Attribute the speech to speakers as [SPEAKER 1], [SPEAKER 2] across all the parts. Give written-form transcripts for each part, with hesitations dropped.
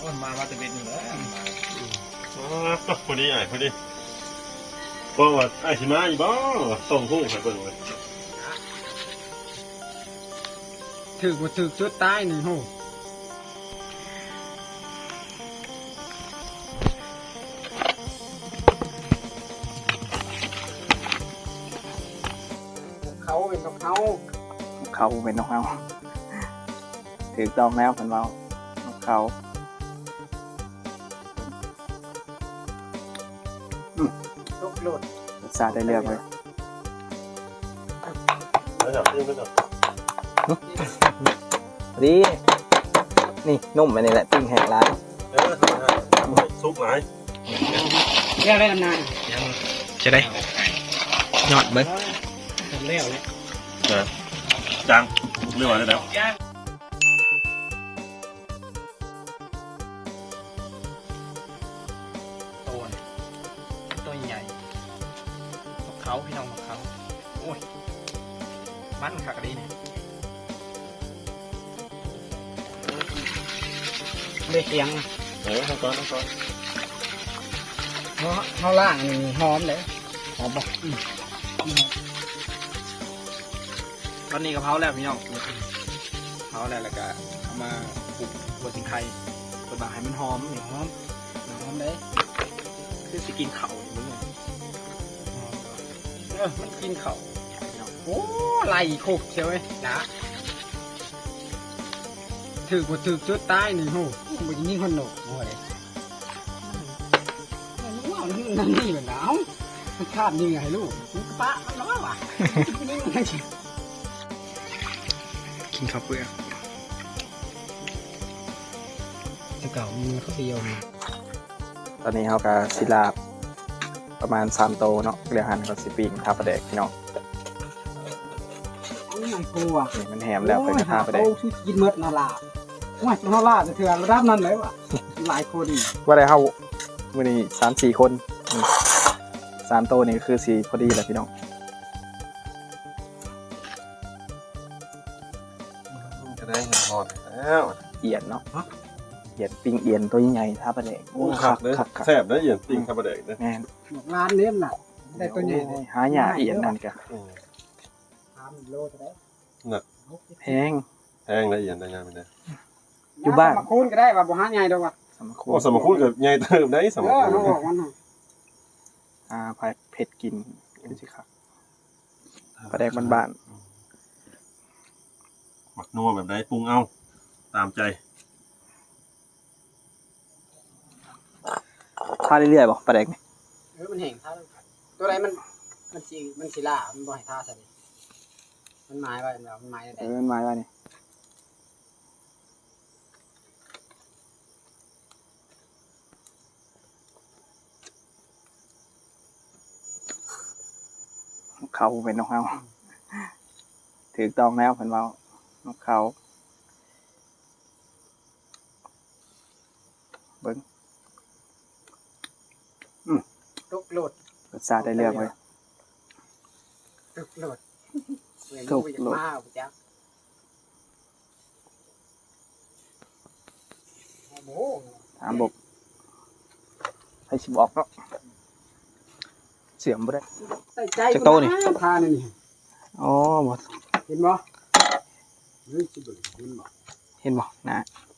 [SPEAKER 1] มาจะเป็นเลย
[SPEAKER 2] พอดีไอ้พอดีบอกว่าไอ้สิมาอีบ้าส่งหุ้งให้เบิ่งเลย
[SPEAKER 3] ถือว่าถือจุดตายนี่โหเขาเป็นของเขา
[SPEAKER 4] เป็นนกเขาถือต้องแล้วคนเรานกเขา
[SPEAKER 3] ลูกหลุด
[SPEAKER 4] รสชาติได้เลือกเลย
[SPEAKER 2] แล้วจับยิ่งก็จับ
[SPEAKER 4] ดีนี่นุ่มไปนี่แหละปิ้งแห้งร้าน
[SPEAKER 2] ซุปไหน
[SPEAKER 3] เรียกได้นาน
[SPEAKER 4] จะได้ยอดเบิ้ง
[SPEAKER 3] เลี้ยวเลย
[SPEAKER 2] จังเรียกว่าได้แล้ว
[SPEAKER 1] ตัวใหญ่นกเขาพี่น้องนกเขาโอ้ยมันขากระดีเนี่ย
[SPEAKER 3] เลี้ยเคียง
[SPEAKER 2] ทั้งก้อน
[SPEAKER 3] เขาล่างนี่หอมเลยหอมบอก
[SPEAKER 1] ตอนนี้กะเพราแล้วพี่น้องเผาแล้วก็เอามาปลูกบนสิงไข่เปิดบางให้มันหอมนี่หอมเลยคือสิกินเข่าอย่างนี้มันกินเข่า
[SPEAKER 3] โอ้ไหลคุกเชียวเลยนะถือว่าถือจุดตายนี่โหมันจะยิ่งคนหนุกโอ้ยว้าวนั่นนี่เหมือนหนาวมันคาดยังไงลูกมันปะมันร้อนว่ะนี่มันนั่ง
[SPEAKER 4] กินข้าวเปลือก
[SPEAKER 3] จะเก่ามันเขาเดียว
[SPEAKER 4] ตอนนี้เขากับศิลาประมาณ3 โตเนาะเรียกหันกับสิปิ้งทาประเดกพี่น้อง
[SPEAKER 3] มันกลัว
[SPEAKER 4] มันแหมแล้วไปกระทาประเดก
[SPEAKER 3] กินเมื่อนาลาว่านาลาจะเถื่อนระดับนั้นเลยวะหลายคน
[SPEAKER 4] ว่าได้เข้าวันนี้3-4 คน3 โตนี่คือสีพอดีแหละพี่น้อง
[SPEAKER 2] จะได้เห็นหอดแล้ว
[SPEAKER 4] เอียนเนาะเอียนปิ้งเอียนตัวใหญ่ทาประเดก
[SPEAKER 2] คักเลยแซ่บนะเอียนปิ้งทาประเดกนะ
[SPEAKER 4] แม่
[SPEAKER 3] ร้านนี้น่ะได้ตัวใหญ่
[SPEAKER 4] หาหยาเอียนนั่นกัน
[SPEAKER 3] โลเท่าไหร่
[SPEAKER 2] หนัก
[SPEAKER 4] แพง
[SPEAKER 2] ละเอียดได้ยังไม่ได้
[SPEAKER 4] อยู่บ้าน
[SPEAKER 3] มาคูนก็ได้ว่าบ่หาใหญ่ดอกว่ะ
[SPEAKER 2] สมคูนกับใหญ่เติมได้สมคูน
[SPEAKER 4] พายเผ็ดกินสิครับปลาแดกบ้าน
[SPEAKER 2] หมักนัวแบบไหนปรุงเอาตามใจ
[SPEAKER 4] ทาเรื่อยๆบอกปลาแดกนี่
[SPEAKER 3] มันแห้งท่าตัวไหนมันสีล่ามันบ่ให้ท่าใช่ไหมมันไม้ไว้แล้วมันไม้ได้
[SPEAKER 4] มันไม้ไว้นี่เขาเป็นนกเขาถือต้องแล้วเป็นว่านกเขาเบิ้ง
[SPEAKER 3] ลูกหลุด
[SPEAKER 4] รสชาติได้เลือกเลย
[SPEAKER 3] ลูกหลุดมาจ้ะ
[SPEAKER 4] ถามบอกให้ชิบออกเนาะเสียมบ่ได้จะโตนี่
[SPEAKER 3] ทานี่
[SPEAKER 4] อ๋อหมด
[SPEAKER 3] เห็นบ่
[SPEAKER 4] เห็นบ่นะ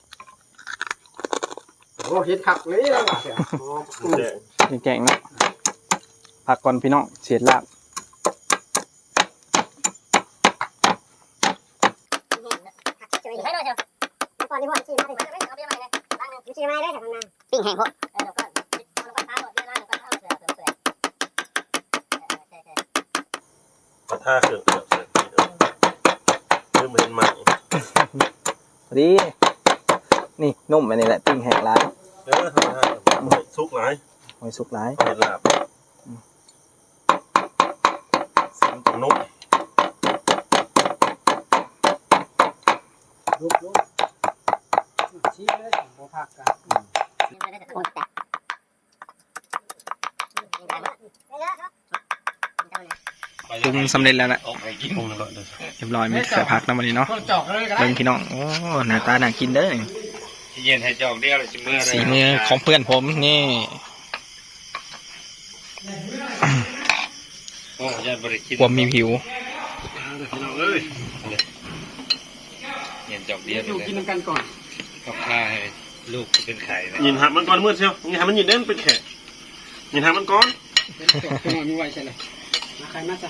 [SPEAKER 3] โอ้เห็นขักเลยแล้วว่ะ
[SPEAKER 4] แกงเนาะผักก่อนพี่น้องเสียดลาบ
[SPEAKER 5] ปิ้งแห้งพวก
[SPEAKER 2] ท่าเกิดเริ่มเป็นใหม่
[SPEAKER 4] ดีนี่นุ่มไปนี่แหละปิ้งแห้งร้าน
[SPEAKER 2] ซุปไหน
[SPEAKER 4] หอยสุกหลาย
[SPEAKER 2] เห็ดลาบนุ่ม
[SPEAKER 3] ชี้เลยโมพักกัน
[SPEAKER 4] ปรุงสำเร็จแล้วนะเรียบร้อยมีใส่ผักนะวันนี้เนาะเบิ่งพี่น้องโอ้หน้าตาน่ากินเด้อ
[SPEAKER 2] เย็นให้จอกเดียวเลยจิเมื่อ
[SPEAKER 4] สีมือของเพื่อนผมนี่
[SPEAKER 2] โอ้ยบริกิน
[SPEAKER 4] ความมีผิว
[SPEAKER 2] เอ้ยเย็นจอกเดียว
[SPEAKER 3] อยู่กินกันก่อน
[SPEAKER 2] กับข้าให้ลูกเป็นไข่ยินหักมันก่อนเมื่อเชียวยินหักมันยินเด่นเป็นแขกยินหักมันก่อน
[SPEAKER 3] เป็นตัวเป็นหน่อยมีไว้ใช่เลยมาใครมาใส่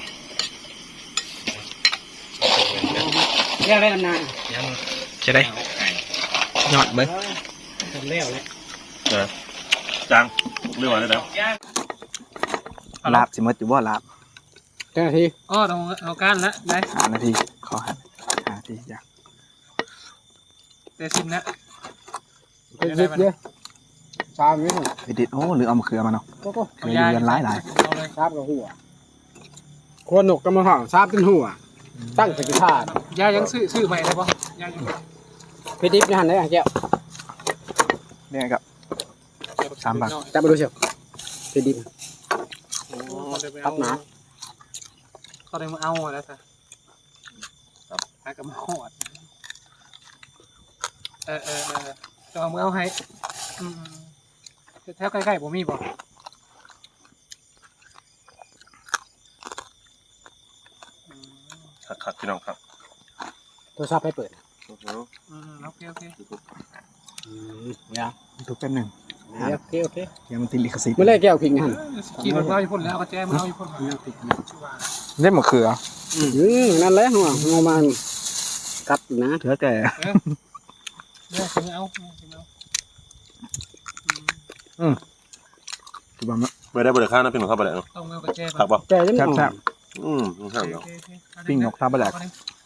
[SPEAKER 3] เรียกได้นาน
[SPEAKER 4] จะได้ยอดเบิ้ง
[SPEAKER 3] ๆผมเลี้ยวเลย
[SPEAKER 2] จังเรื่องอะไรแล้ว
[SPEAKER 4] ลาบสิมดอยู่บ่ลาบ
[SPEAKER 3] เจ้าหน้าที่
[SPEAKER 1] อ๋อเอาก้านละได้
[SPEAKER 4] 5 นาทีขอ5 นาทีจ้ะ
[SPEAKER 1] แต่ซิมนะ
[SPEAKER 3] เยอะชามนี้
[SPEAKER 4] ไปดิดโอ้หรือเอามะเขือมาเนาะ
[SPEAKER 3] ก็
[SPEAKER 4] เขืออยู่เรือนหลาย
[SPEAKER 1] เอาเลย
[SPEAKER 3] ชามกับหัวควรหนกกับมะพร้าวชามเป็นหัวตั้งสกิทาน
[SPEAKER 1] ยายังซื้อใหม่ได้ปะยายัง
[SPEAKER 3] พี่ดิบนี่หันได้แก้ว
[SPEAKER 4] เนี่ยครับ 3 บาท
[SPEAKER 3] จับมาดูเชียวพี่ดิบ
[SPEAKER 1] ตัดหนาเขาได้มาเอาแล้วสิครับหากับมาหอดจะเอามือเอาให้แถวใกล้ๆผมมีบ่
[SPEAKER 2] ขัดพี่น้องครับ
[SPEAKER 3] โทรศัพท์ให้เปิด
[SPEAKER 1] โอเค
[SPEAKER 3] เนี่ย
[SPEAKER 4] ทุกแป๊บหนึง
[SPEAKER 3] โอเค
[SPEAKER 4] ยังมันติดลิขสิทธิ์
[SPEAKER 3] เมื่อไรแก้วพิงหัน
[SPEAKER 1] ขี่รถมาอยู่พุ่นแล้วก็แจ้มาเอาอยู่พุ่น
[SPEAKER 4] เล่นมะเขือ
[SPEAKER 3] นั่นแหละหัวงมันกัดนะ
[SPEAKER 4] เถือแก่
[SPEAKER 1] เนี่ยซื้อเอา
[SPEAKER 4] คือว่ามัน
[SPEAKER 2] ไม่ได้บริการนะพี่น้องครับไปไหนเนาะ
[SPEAKER 1] ต้องมือกับแจ้
[SPEAKER 2] ขับป่ะ
[SPEAKER 3] แก้ยัง
[SPEAKER 4] แซ่บ
[SPEAKER 2] ใช่เนาะ
[SPEAKER 4] ปิ้งนกท่าบะแหลก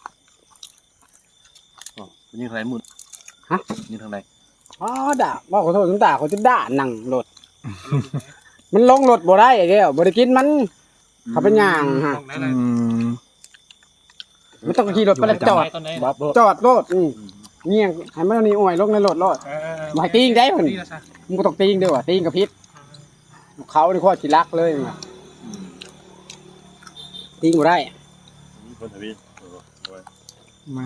[SPEAKER 2] ยิงทางไหนมุดยิงทางไหน
[SPEAKER 3] อ๋อด่าว่าขอโทษน้ำตาเขาจะด่าหนังรถมันลงรถบ่ได้ไอ้แก้วบ่ได้กินมันเขาเป็นย่างฮะ
[SPEAKER 4] อืม
[SPEAKER 3] มันต้องขี่รถไปแล้วจอดรถเงี้ยให้มันนี่อ่อยลงในรถรถบ่ให้ตีงได้เพิ่นมึงก็ต้องตีงด้วยว่ะตีงกับพิษเขานี่ข้อสิรักเลยว่ะตีงบ่ได้
[SPEAKER 2] คนทวี
[SPEAKER 4] มา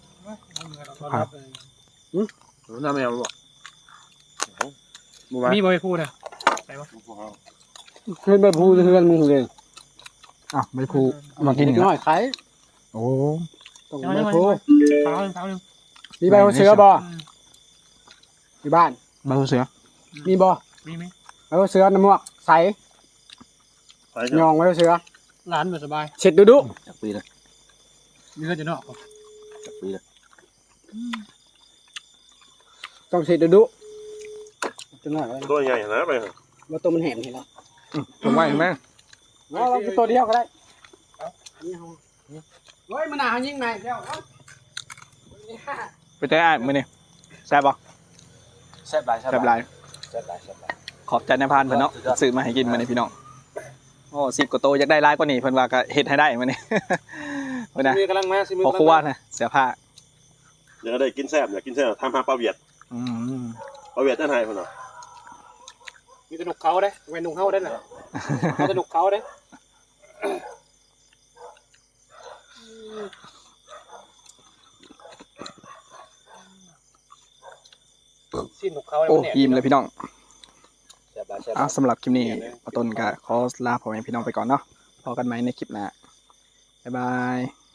[SPEAKER 2] น้าแมวหรอ
[SPEAKER 1] มีบ่ไปพูดนะ
[SPEAKER 3] เพิ่นไปพูดเฮือนมึงเลย
[SPEAKER 4] อ้าวไม่พูเอามากินอีก
[SPEAKER 3] น้
[SPEAKER 4] แล้ว
[SPEAKER 3] อยใคร
[SPEAKER 4] โอ้
[SPEAKER 3] ต้องไปพูด
[SPEAKER 1] เท้าหนึ่ง
[SPEAKER 3] มีใบหัวเสือบ่ที่บ้าน
[SPEAKER 4] ใบหูเสือ
[SPEAKER 3] มีบ่
[SPEAKER 1] มีไหม
[SPEAKER 3] ใบหัวเสือน้ำหมวกใสยองใบหัวเสือ
[SPEAKER 1] ร้านแบบสบาย
[SPEAKER 3] เช็ดดุ
[SPEAKER 2] จากปีเลย
[SPEAKER 1] มีเงินจะนอก
[SPEAKER 2] จากปีเลย
[SPEAKER 3] ต้องเช็ดดุจังหน่อย
[SPEAKER 2] ตัวใหญ่นะไป
[SPEAKER 3] ว่าตัวมันแหมเห็นแล้ว
[SPEAKER 4] ผมว่าเห็นไหม
[SPEAKER 3] เราตัวเดียวก็ได้เฮ้ยมันหนายิงไหนเดียว
[SPEAKER 4] ไปเต้อ้ายมือนี่แซ่บปะ
[SPEAKER 3] แซ่บหลาย
[SPEAKER 4] แซ่บหลายขอบใจนายพานเพิ่นเนาะซื้อมาให้กินมาในพี่น้องโอ้10 กว่าโตอยากได้หลายกว่านี้เพิ่นว่าก็เฮ็ดให้ได้มานี่เพิ่นน่ะ
[SPEAKER 3] มือกำลังมาสิมือ
[SPEAKER 4] พอครัวนะเสื้อผ้า
[SPEAKER 2] อยากได้กินแซ่บอยากกินแซ่บทำหาปลาเวียด
[SPEAKER 4] อืม
[SPEAKER 2] ปลาเวียดนั่นไงพ่อเนาะ
[SPEAKER 3] มีแต่หนุกเขาได้เว้นหนุกเขาได้น่ะเอาแต่หนุกเขาได้
[SPEAKER 1] สิ้นของเขา
[SPEAKER 4] โอ้ยิ้มเลยพี่น้อง
[SPEAKER 3] แซ่บหลายแซ่บ
[SPEAKER 4] สำหรับคลิปนี้ปอต้นก็ขอลาพ่อแม่พี่น้องไปก่อนเนาะพอกันไหมในคลิปหน้าบ๊ายบาย